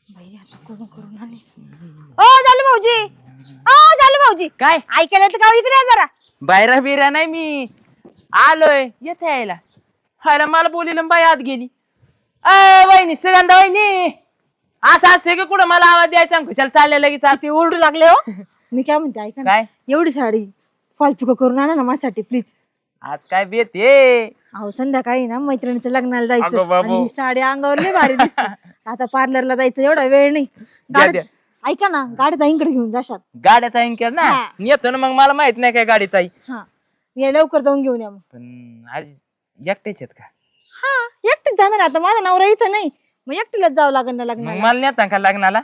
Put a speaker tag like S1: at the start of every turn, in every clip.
S1: बाई आता करून करून आले. ओ झालं भाऊजी, ओ झालं भाऊजी,
S2: काय
S1: ऐकायला तर गाव इकडे आहे जरा.
S2: बायरा बिरा नाही मी आलोय येथे यायला. खायला मला बोलील बाई आत गेली. वहिनी सुगंधा वहिनी असं असते की कुठं मला आवाज द्यायचा खुशाल चालले लगेच आत.
S1: ते ओरडू लागले हो. मी काय म्हणते ऐका ना,
S2: काय
S1: एवढी साडी फॉल पिको करून आणा ना माझ्यासाठी प्लीज.
S2: आज काय बेत ये
S1: अहो संध्याकाळी ना मैत्रिणीच्या लग्नाला
S2: अगं
S1: जायचं
S2: बाबू.
S1: आणि ही साडी अंगावर लय भारी दिसते. आता पार्लरला जायचं एवढा वेळ नाही. गाडीत ऐका ना, गाडीत आईकडे घेऊन जाशाल.
S2: गाड्याचा इंकर ना
S1: हा.
S2: येतो ना मग मला माहित नाही काय गाडीचा
S1: हा या लवकर जाऊन घेऊन या मग.
S2: पण आज एकटेच आहेत का
S1: हा एकटीच जाणार आता, माझा नवरा इथं नाही, मग एकटीलाच जावं लागेल ना
S2: मग
S1: लग्नाला.
S2: मला नेता का लग्नाला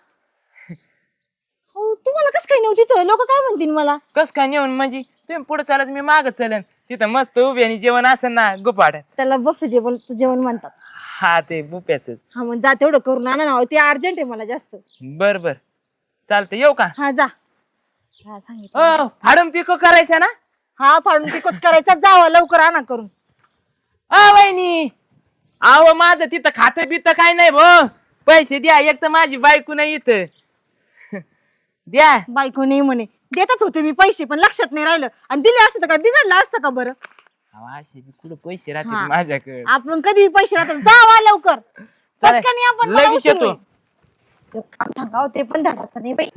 S1: हो तुम्हाला कसं काही नव्हती तिथं, लोक काय म्हणतील मला.
S2: कस काय नेऊन म्हणजे तुम्ही पुढे चालत मी माग चलन तिथं मस्त उभी आणि जेवण असेल ना गुपाड.
S1: त्याला बफ जेवण म्हणतात.
S2: हा ते बुप्याच
S1: हा मग जा तेवढं करून आणा ना, ते अर्जंट आहे मला जास्त.
S2: बर बर चालतं येऊ का.
S1: हा जा. हा सांगितलं.
S2: फाडून पिको करायचा ना.
S1: हा फाडून पिकोच करायचा, जावा लवकर आणा करून.
S2: वहिनी आव माझं तिथं खातं बित काय नाही भो, पैसे द्या. एक तर माझी बायको नाही इथं द्या.
S1: बायको नाही म्हणे, देतच होते मी पैसे पण लक्षात नाही राहिलं, आणि दिले असतं तर काय बिघडलं असतं का बरं.
S2: असे बी कुठं पैसे राहतील
S1: हा.
S2: माझ्याकडे.
S1: आपण कधी पैसे राहतात, जावा लवकर
S2: चालेल.
S1: पटकन आपण
S2: लगेच येतो.
S1: सांगाव ते पण धाडाचं नाही बाई.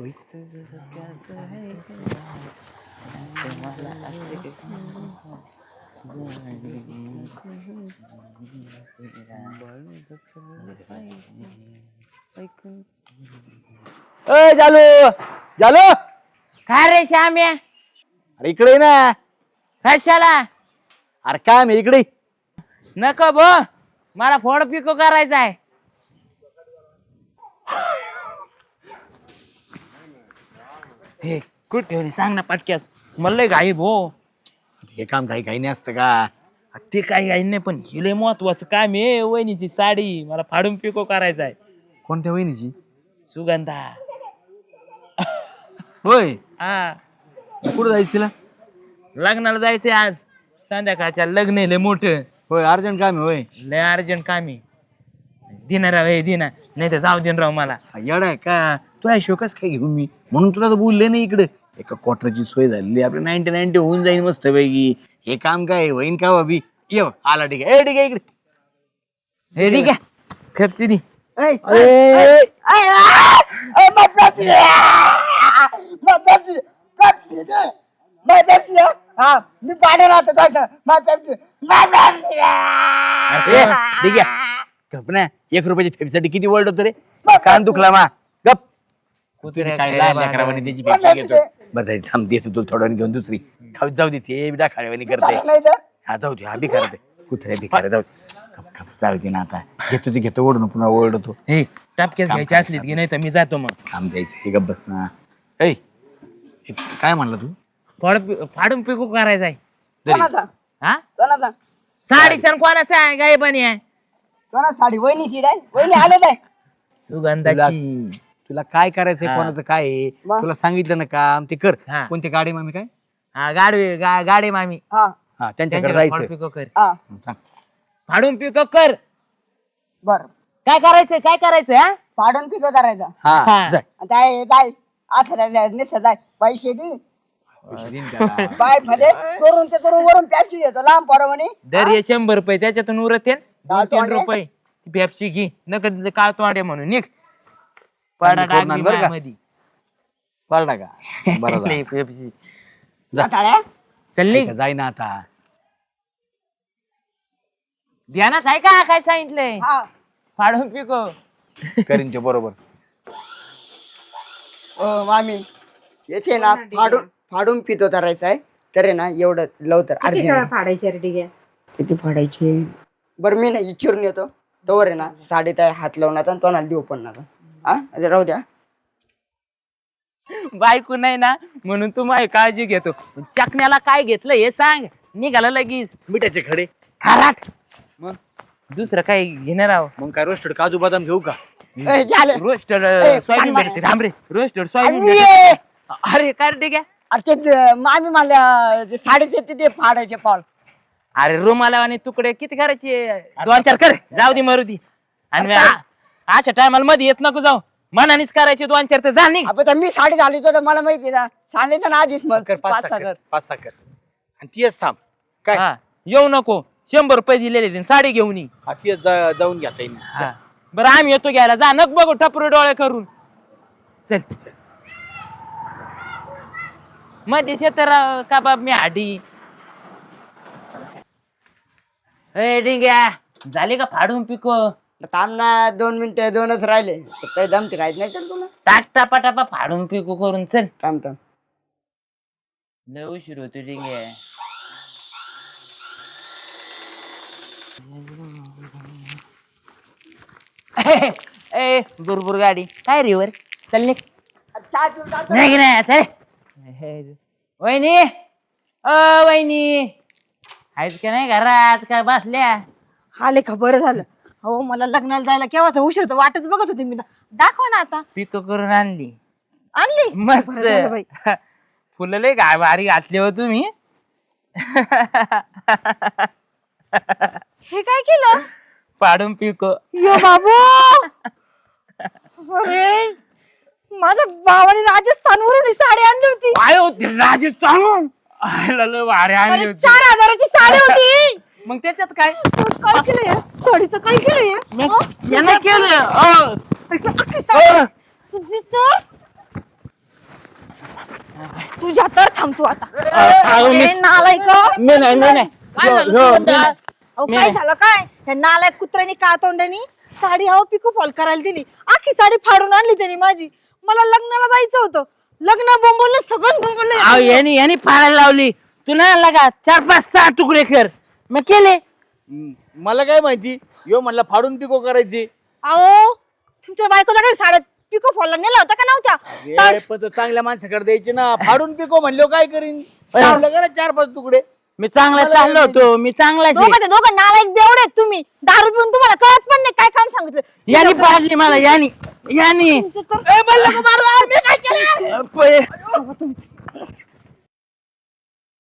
S3: जालो जालो.
S2: काय रे श्याम्या
S3: अरे इकडे ये ना.
S2: कशाला.
S3: अरे काय मी इकडे.
S2: नको भो मला फोड पिको करायचा आहे. हे कुठे ठेवली सांग ना पटक्यास, मला लय घाई भो.
S3: हे काम काही काही नाही असतं का.
S2: ते काही घाई नाही पण हे लय महत्वाचं काम आहे. वहिनीची साडी मला फाडून पिको करायचा आहे.
S3: कोणत्या वहिनीची.
S2: सुगंधा.
S3: होय
S2: हा
S3: कुठं जायचं तिला.
S2: लग्नाला जायचंय आज संध्याकाळच्या. लग्न आहे लय मोठं.
S3: होय अर्जंट काम आहे. होय
S2: लय अर्जंट काम आहे. दिना राव हे दिना नाही तर जाऊ देन राव मला.
S3: येडा आहे का तू. आहे शोकस काय घेऊ मी म्हणून तुला तर बोलले नाही इकडे. एका क्वार्टरची सोय झाली आपली 90-90 होऊन जाईल मस्त पैकी. हे काम काय होईन का बाबी. ये बघ, आला ठीक आहे. ठीक आहे इकडे.
S2: हे ठीक आहे खपसी दी.
S3: ठीक आहे गप ना. 1 रुपयाची फेपसाठी किती वर्ड होतो रे. कान दुखला मा गप. काय लहान लेकरावानी त्याची पेप्सी घेतो. बरं जाऊ, थांब देतो तुला थोडं घेऊन दुसरी खाऊ. जाऊ दे ते बिडा खाड्यावानी करते. हा जाऊ दे. हा बी करते कुत्र्या बी करे. जाऊ गप गप जाऊ दे ना. आता घेतो ते घेतो ओढून पुन्हा ओरडतो.
S2: हे टापक्यास घ्यायची असलीत की नाही तर मी जातो मग.
S3: काम द्यायचं हे गप बस ना. ऐ हे काय म्हणला तू.
S2: फाडून पिको करायचा आहे.
S3: जरी.
S2: हा साडीचा न कोणाचा आहे गायबानी आहे.
S4: साडी वहिनीची नाही, वहिनी आले नाही.
S2: सुगंधाची.
S3: तुला काय करायचंय
S2: हा.
S3: कोणाचं काय आहे?
S4: मग?
S3: तुला सांगितलं ना काम ते कर.
S2: हा.
S3: कोणती गाडी मामी काय.
S2: हा गाडी मामी
S4: हा
S3: हा त्यांच्याकडे
S2: त्यांच्याकडे
S3: जायचं.
S2: पिको कर.
S4: हा
S3: सांग.
S2: फाडून पिको कर.
S4: बर
S2: काय करायचंय काय करायचंय हा.
S4: फाडून पिको करायचा.
S3: हा
S2: हा.
S3: जाय.
S4: जाय जाय असं निसं जाय पैसे दे. बाय मध्ये चोरून ते चोरून वरून पॅप्सी देतो लांब परवानी.
S2: दर ये 100 रुपये त्याच्यातून उरत येन.
S4: काळ
S2: 2-3
S4: तोंडे?
S2: रुपये ती पेप्सी घे. नका काळ तोंडे म्हणून निघ. पडा
S3: चांगली कोण बरं का?
S2: मध्ये
S3: बरं का बरं झालं.
S2: पेप्सी
S4: जाताळ्या
S2: चल निघ.
S3: जाय ना आता.
S2: ध्यानात आहे का काय सांगितलंय.
S4: हा
S2: फाडून पिको.
S3: करीन ते बरोबर.
S4: ओ मामी येते ना फाडून पितो करायचा आहे तर आहे ना एवढं लवकर अर्जंट.
S1: फाडायचे रे ठीक आहे.
S4: किती फाडायचे. बरं मी ना इच्छून येतो तोवर आहे ना साडीत आहे हात लावून आता तोंडाला देऊ पण नका. हा राहू द्या.
S2: बायको नाही ना म्हणून तू माझी काळजी घेतो. चकण्याला काय घेतलं हे सांग. निघाला लगेच
S3: मिठाचे खडे.
S2: खाराट.
S3: मग
S2: दुसरं काय घेणार आहो.
S3: मग काय रोस्टेड काजू बदाम घेऊ का.
S4: ए, झालं.
S2: रोस्टर
S4: ए,
S2: सोयाबीन
S4: पान
S2: भेटते. थांब रे रोस्टर सोयाबीन
S4: अरे,
S2: भेटते. अरे काय रे ठीक आहे.
S4: अरे ते मामी मला ते साडीचे ते फाडायचे पाल.
S2: अरे रुमाला आणि तुकडे किती करायचे. 2-4 कर जाऊ दे मरू दे. आणि अशा टायमाला मध्ये येत नको जाऊ मनानेच करायचे 2-4 तर जा निघ.
S4: आपण तर मी साडी घालत होतो मला माहिती ना सांगायचं ना आधीच मग
S3: कर 5
S4: 5-6 कर.
S3: 5-6 कर आणि तीच थांब काय
S2: हा येऊ नको 100 रुपये दिलेले ते साडी घेऊन ये.
S3: हा तीच जाऊन घेता येईल
S2: हा बरं आम्ही येतो घ्यायला जा नक बघू टपरू डोळे करून चल मध्ये तर कबाब मी हाडी ए डिंग्या झाली का फाडून पिको
S4: थांब ना 2 मिनिटं 2च राहिले काही दमते खायचं नाही चल तुला
S2: टाक टापा टापा फाडून पिको करून चल
S4: थांब
S2: लय उशीर होतो डिंग्या ए बुरबुर गाडी काय रिवर चल निघ
S4: चहा पिऊन टाक.
S2: नाही नाही चल वहिनी अ वहिनी आहेत का नाही घरात काय बसल्या
S1: आले का बरं झालं. हो मला लग्नाला जायला केव्हाच उशीर होतो वाटच बघत होते मी दाखवा ना आता.
S2: पिको करून आणली
S1: आणली
S2: मस्त
S1: बरं झालं बाई.
S2: फुलं लय काय भारी घातली हो तुम्ही
S1: हे काय केलं
S2: पाडून पिको
S1: यो बाबू अरे माझ्या भावाने राजस्थानवरून ही साडी आणली होती.
S2: काय होती राजस्थान लय भारी आणली
S1: अरे
S2: होती
S1: 4000ची साडी होती.
S2: मग त्याच्यात काय
S1: काय केलंय साडीचं काय केलंय
S2: यानं केलं
S1: अख्खी साडी. तुझी तर तुझ्या तर थांबतो आता. ए, नालायक
S2: मी नाही
S1: अहो, काय झालं काय त्या नालायक कुत्र्यानी का तोंडानी साडी हवं पिको फॉल करायला दिली आखी साडी फाडून आणली त्यांनी माझी. मला लग्नाला जायचं होतं लग्न बोंबवलं सगळंच बोंबवलं.
S2: यांनी फाडायला लावली तू नाही लागा 4-5-6 तुकडे कर मग केले
S3: मला काय माहिती यो म्हणला फाडून पिको करायची
S1: अहो तुमच्या बायकोला काही साड्या पिको फॉलला नेला होता का नव्हत्या.
S3: अरे पण तो चांगल्या माणसाकडे द्यायची ना फाडून पिको म्हणलो काय करीन चांगलं करा 4-5 तुकडे
S2: मी चांगला चाललो होतो मी चांगलाच आहे.
S1: दोघं दोघं नालायक बेवडे आहेत तुम्ही. दारू पिऊन तुम्हाला कळत पण नाही काय काम सांगितलं.
S2: यानी पाडली मला यानी
S1: तुमचं तर-
S2: ए, मला नको मारू, मी काय केलं?
S1: अहो, तुम्ही